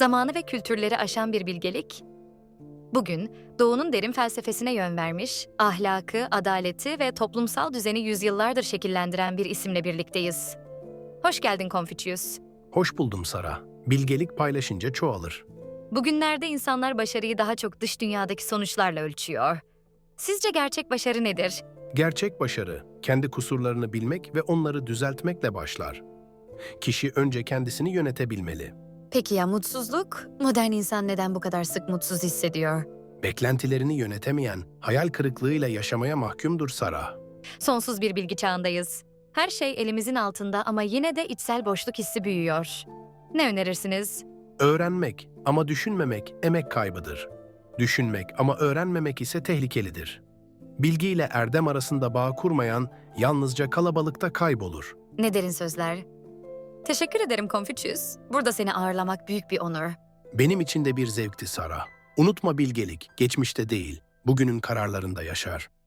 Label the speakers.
Speaker 1: zamanı ve kültürleri aşan bir bilgelik. Bugün Doğu'nun derin felsefesine yön vermiş, ahlakı, adaleti ve toplumsal düzeni yüzyıllardır şekillendiren bir isimle birlikteyiz. Hoş geldin Confucius.
Speaker 2: Hoş buldum Sara. Bilgelik paylaşınca çoğalır.
Speaker 1: Bugünlerde insanlar başarıyı daha çok dış dünyadaki sonuçlarla ölçüyor. Sizce gerçek başarı nedir?
Speaker 2: Gerçek başarı, kendi kusurlarını bilmek ve onları düzeltmekle başlar. Kişi önce kendisini yönetebilmeli.
Speaker 1: Peki ya mutsuzluk? Modern insan neden bu kadar sık mutsuz hissediyor?
Speaker 2: Beklentilerini yönetemeyen, hayal kırıklığıyla yaşamaya mahkumdur Sara.
Speaker 1: Sonsuz bir bilgi çağındayız. Her şey elimizin altında ama yine de içsel boşluk hissi büyüyor. Ne önerirsiniz?
Speaker 2: Öğrenmek ama düşünmemek emek kaybıdır. Düşünmek ama öğrenmemek ise tehlikelidir. Bilgi ile erdem arasında bağ kurmayan yalnızca kalabalıkta kaybolur.
Speaker 1: Ne derin sözler. Teşekkür ederim Confucius. Burada seni ağırlamak büyük bir onur.
Speaker 2: Benim için de bir zevkti Sara. Unutma bilgelik, geçmişte değil, bugünün kararlarında yaşar.